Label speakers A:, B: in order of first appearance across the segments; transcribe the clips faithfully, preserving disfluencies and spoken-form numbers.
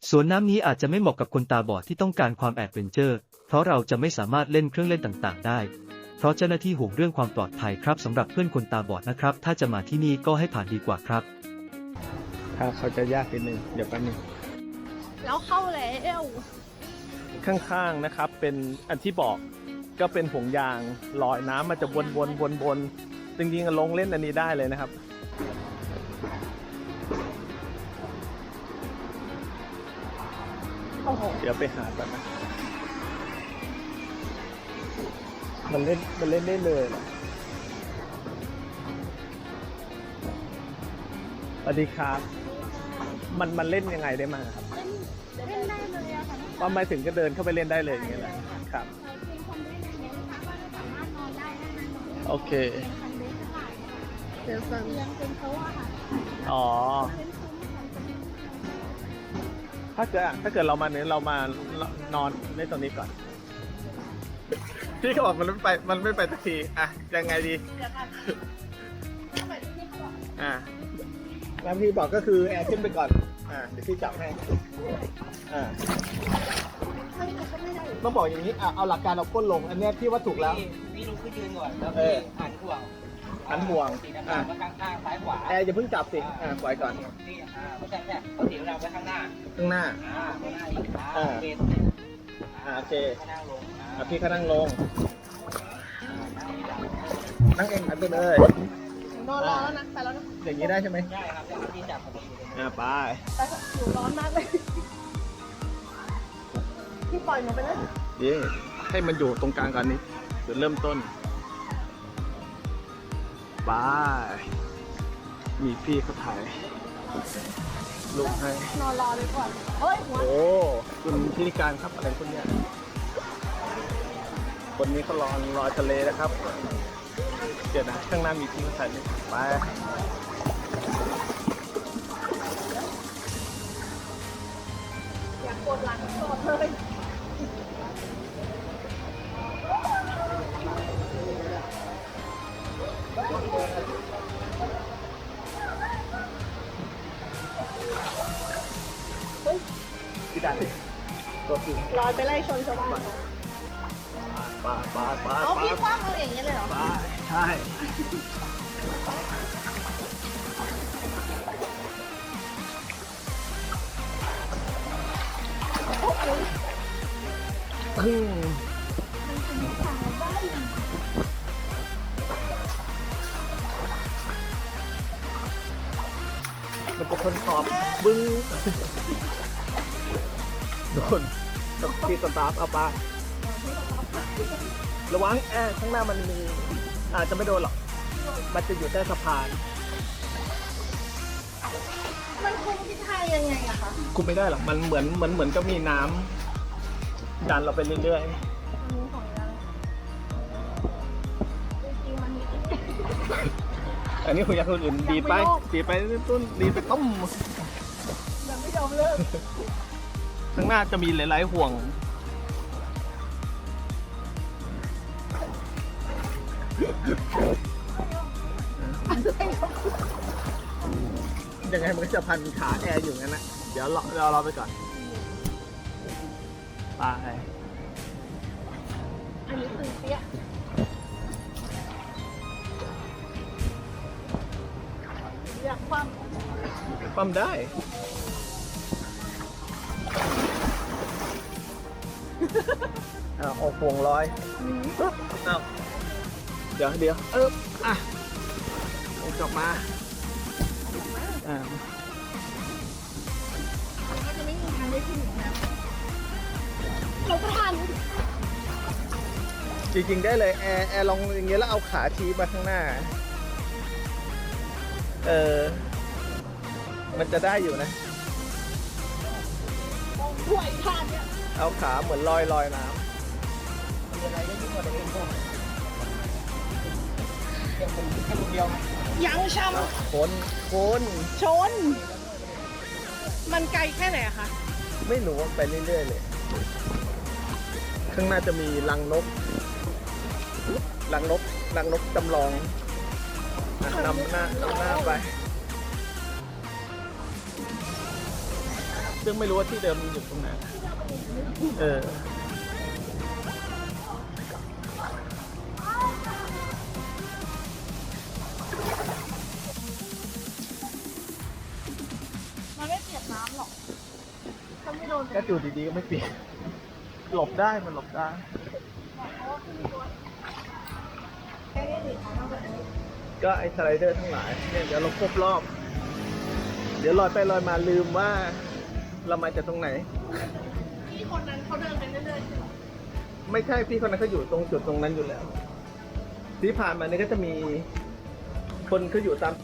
A: สวนน้ำนี้อาจจะไม่เหมาะกับคนตาบอดที่ต้องการความแอดเวนเจอร์เพราะเราจะไม่สามารถเล่นเครื่องเล่นต่างๆได้เพราะเจ้าหน้าที่ห่วงเรื่องความปลอดภัยครับสำหรับเพื่อนคนตาบอดนะครับถ้าจะมาที่นี่ก็ให้ผ่านดีกว่าครับ
B: ถ้าเขาจะยากนิดนึงเดี๋ยวแป๊บนึง
C: แล้วเข้าแล้ว
B: ข้างๆนะครับเป็นอันที่บอกก็เป็นห่วงยางลอยน้ำมันจะวนวนวนวนจริงๆลงเล่นอันนี้ได้เลยนะครับ
C: โอ้โห
B: เดี๋ยวไปหาก่อนนะมันเล่นมันเล่นได้เลยนะสวัสดีครับมันมันเล่นยังไงได้มั้งครับ
C: เล่นได้เลยอะค่ะ
B: ว่าหมายถึงก็เดินเข้าไปเล่นได้เลยอย่างเงี้ยแหละครับโอเค
C: เดี๋ยวสั่งเรียงเป็นโต๊ะค่ะ
B: อ๋อถ้าเกิดถ้าเกิดเรามาเนี้ยเรามานอนในตรงนี้ก่อนพี่เขาบอกมันไม่ไปมันไม่ไปสักทีอ่ะยังไงดีอ่ะแล้วพี่บอกก็คือแอร์ขึ้นไปก่อนอ่ะเดี๋ยวพี่จับให้อ่าต้องบอกอย่างนี้อ่ะเอาหลักการเอาก้นลงอันนี้พี่ว่าถูกแล้ว
D: พี่ลุกขึ้นยืนก่อนแล้วพี่หันห่วง
B: หันห่วง
D: อ่ะข้างข้างซ้ายขวา
B: แอร์อย่าเพิ่งจับสิอ่าปล่อยก่อน
D: นี่อ่าเพราะฉะนั้นเนี่ยเขาถีบเราไว้ข้างหน้า
B: ข้างหน้า
D: อ่าข้างหน้าอีกอ่าเป็น
B: อ่าโอเค
D: นั่งลง
B: อ่ะพี่เขานั่งลงนั่งเองหันไปเลย
C: นอนรอแล้วนะไปแล้วนะ
B: อย่างนี้ได้ใช่ไหม
D: ได้ครับที่จับพอดี
B: อ่าไป
C: ไปอยู่ร้อนมากเลยพี่ปล่อยหนูไปเลย
B: ดีให้มันอยู่ตรงกลางก่อนนี้จุดเริ่มต้นไปมีพี่เขาถ่ายลงให้
C: นอนรอเลยก่อนเฮ้ยหัว
B: โอ้คุณพิธีการครับอะไรคนเนี้ยคนนี้เขารอรอทะเลนะครับเดี๋ยวนะข้างหน้ามีที่ถ่ายไป
C: อยากปวดหลังปวดเลย
B: พี่ดันตัวจริง
C: ลอยไปไล่ชนชาวบ้าน
B: ปลาปลาปลา
C: เอาพี่คว้างเราอย่างนี้เลยเหรอ
B: ปลาใช่อืมมันจะคนขอบบึ้งโดนกับที่สตาร์ทเอาปลาระวังแอร์ข้างหน้ามันมีอาจจะไม่โดนหรอกมันจะอยู่ใต้สะพาน
C: มันคุมทิศทางยังไงอะคะ
B: คุมไม่ได้หรอกมันเหมือนเหมือนเหมือนก็มีน้ำดันเราไปเรื่อยๆอันนี้คุณอยากคนอื่นดีไปดีไปต้นดีไปต้ม
C: ยังไม่ยอมเลิก
B: ข้างหน้าจะมีหลายๆห่วงยังไงมันก็จะพันขาแอร์อยู่งั้นนะเดี๋ยวรอเรารอไปก่อนไป
C: อันนี้คือเปี้ยอยากคว่
B: ำคว่ำได้อ่าออกห่วงลอยอ้าวเดี๋ยวเดี๋ยวเอออ่ะกลับมาอ่า
C: ก็จะไม่มีทางได้ขึ้นนะเราก็ทัน
B: จริงๆได้เลยแอร์แอร์ลองอย่างเงี้ยแล้วเอาขาชี้มาข้างหน้าเออมันจะได้อยู่นะ
C: ห่วยทานเนี่ย
B: เอาขาเหมือนลอยลอยน้ำ
C: ยังช้
B: ำคนคน
C: ชนมันไกลแค่ไหนอะคะ
B: ไม่รู้ไปเรื่อยๆเลยข้างหน้าจะมีรังนกรังนกรังนกจำลองนำหน้านำหน้าไปซึ่งไม่รู้ว่าที่เดิมมันอยู่ตรงไหนเออ
C: มันไม่เปียกน้ำหรอกถ้าไม่โดน
B: ก็อยู่ดีๆก็ไม่เปลี่ยนหลบได้มันหลบได้ ก็ไอ้สไลเดอร์ทั้งหลายเนี่ยเดี๋ยวเราครบรอบ เดี๋ยวลอยไปลอยมาลืมว่าเรามาจากตรงไหน
C: พี่คนนั้นเขาเดินไปเรื่อยๆใช่ไหม
B: ไม่ใช่พี่คนนั้นเขาอยู่ตรงจุดตรงนั้นอยู่แล้ว ที่ผ่านมานี่ก็จะมีคนเขาอยู่ตาม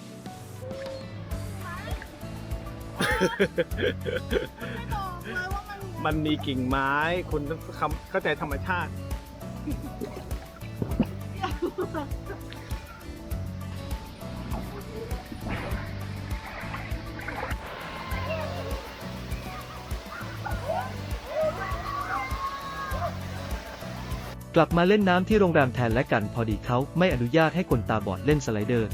C: ไม่บอกเลยว่ามัน
B: มันมีกิ่งไม้คุณต้องคำเข้าใจธรรมชาติ
A: กลับมาเล่นน้ำที่โรงแรมแทนและกันพอดีเขาไม่อนุญาตให้คนตาบอดเล่นสไลเดอร์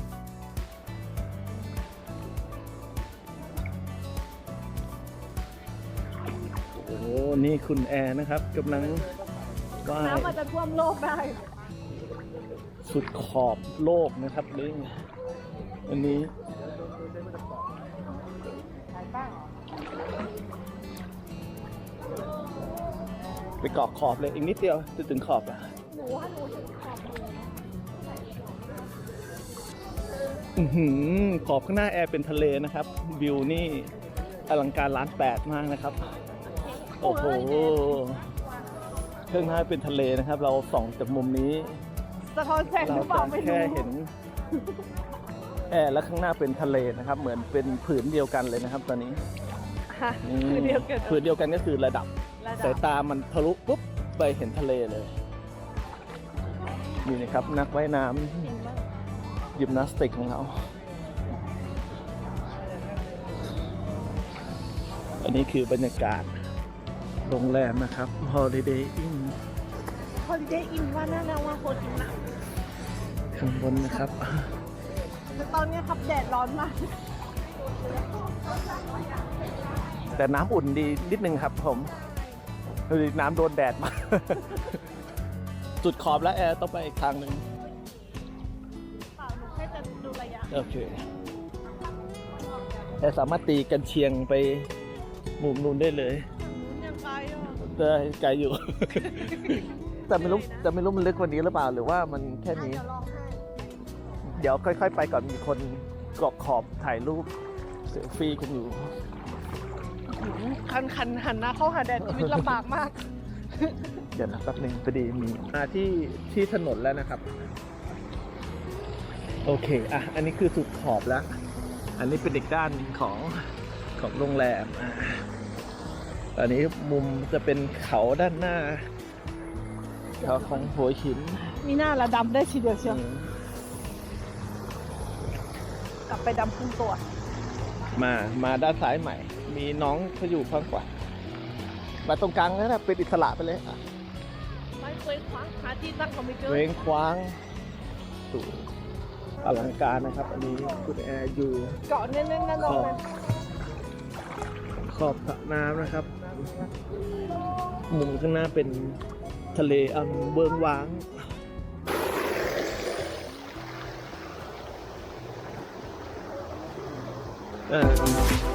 B: โอ้โหนี่คุณแอร์นะครับกำลังว่าย
C: น้ำมันจะท่วมโลกได้
B: สุดขอบโลกนะครับเรื่องอันนี้ไปเกาะขอบเลยอีกนิดเดียวจะถึงขอบอ่ะ
C: หนูว่าหนูถึงขอบมือ
B: อื้อหือขอบข้างหน้าแอร์เป็นทะเลนะครับ วิวนี่อลังการล้านแปดมากนะครับ โอ้โหข้างหน้าเป็นทะเลนะครับ เราส่องจากมุมนี้
C: สะท้อนแสงห
B: เรา
C: รือเปล่า
B: จะ
C: ไม่รู้
B: แค่เห็นแอร์และข้างหน้าเป็นทะเลนะครับ เหมือนเป็นผืนเดียวกันเลยนะครับ ตอนนี้
C: ฮะ
B: อืม
C: คือเดียวกัน
B: ผืนเดียวกันก็คือระดับ
C: ระดั
B: สาย
C: บ
B: ตามันทะลุปุ๊บไปเห็นทะเลเลยนี่นะครับ นักว่ายน้ำยิมนาสติกของเรา อันนี้คือบรรยากาศโรงแรมนะครับ Holiday Inn
C: ฮอลิเดย์อินว่าน่าว่าโคตรอินนะ
B: ข้างบนนะครับ
C: แต่ตอนเนี้ยครับแดดร้อนมาก
B: แต่น้ำอุ่นดีนิดนึงครับผมดูดิน้ำโดนแดดมา จุดขอบแล้วแอร์ต้องไปอีกทางหนึ่ง
C: เปล่าหนูแค่จะดูระยะ
B: โอเคแอร์สามารถตีกันเชียงไปมุมนู้นได้เลย
C: อย่างนู้นยังไกลอ่ะ
B: แต่ไกลอยู่ แต่ไม่รู้แต่ไม่รู้มันลึกกว่านี้หรือเปล่า หรือว่ามันแค่นี้
C: เดี๋ยวลองให้
B: เดี๋ยวค่อยๆไปก่อนมีคนเกาะขอบถ่ายรูปเซลฟี่กันอยู่
C: คันคันหันหน้าเข้าหาแดดชีวิตลำบากมาก
B: เดี๋ยวนะแป๊บหนึงพอดีมีมาที่ที่ถนนแล้วนะครับ โอเคอ่ะอันนี้คือสุดขอบแล้ว อันนี้เป็นอีกด้านของของโรงแรมอ่ะอันนี้มุมจะเป็นเขาด้านหน้าเขาของหัวหิน
C: มีหน้าละดำได้ทีเดียวเชียว
B: อืม
C: กลับไปดำครึ่งตัว
B: มามาด้านซ้ายใหม่ มีน้องเขาอยู่ข้างขวามาตรงกลางนั่นแหละเป็นอิสระไปเลยอ่ะ
C: ไม่เคยคว้าหาที่ตั้งเขาไม่เจอ
B: เว้งคว้างสูงอลังการนะครับ อันนี้คุณแอร์อยู่
C: เกาะแน่นๆนะ
B: ข
C: น้อง
B: อบ
C: นะ
B: ขอบสระน้ำนะครับ มุมข้างหน้าเป็นทะเลอันเบิงว้างอ่า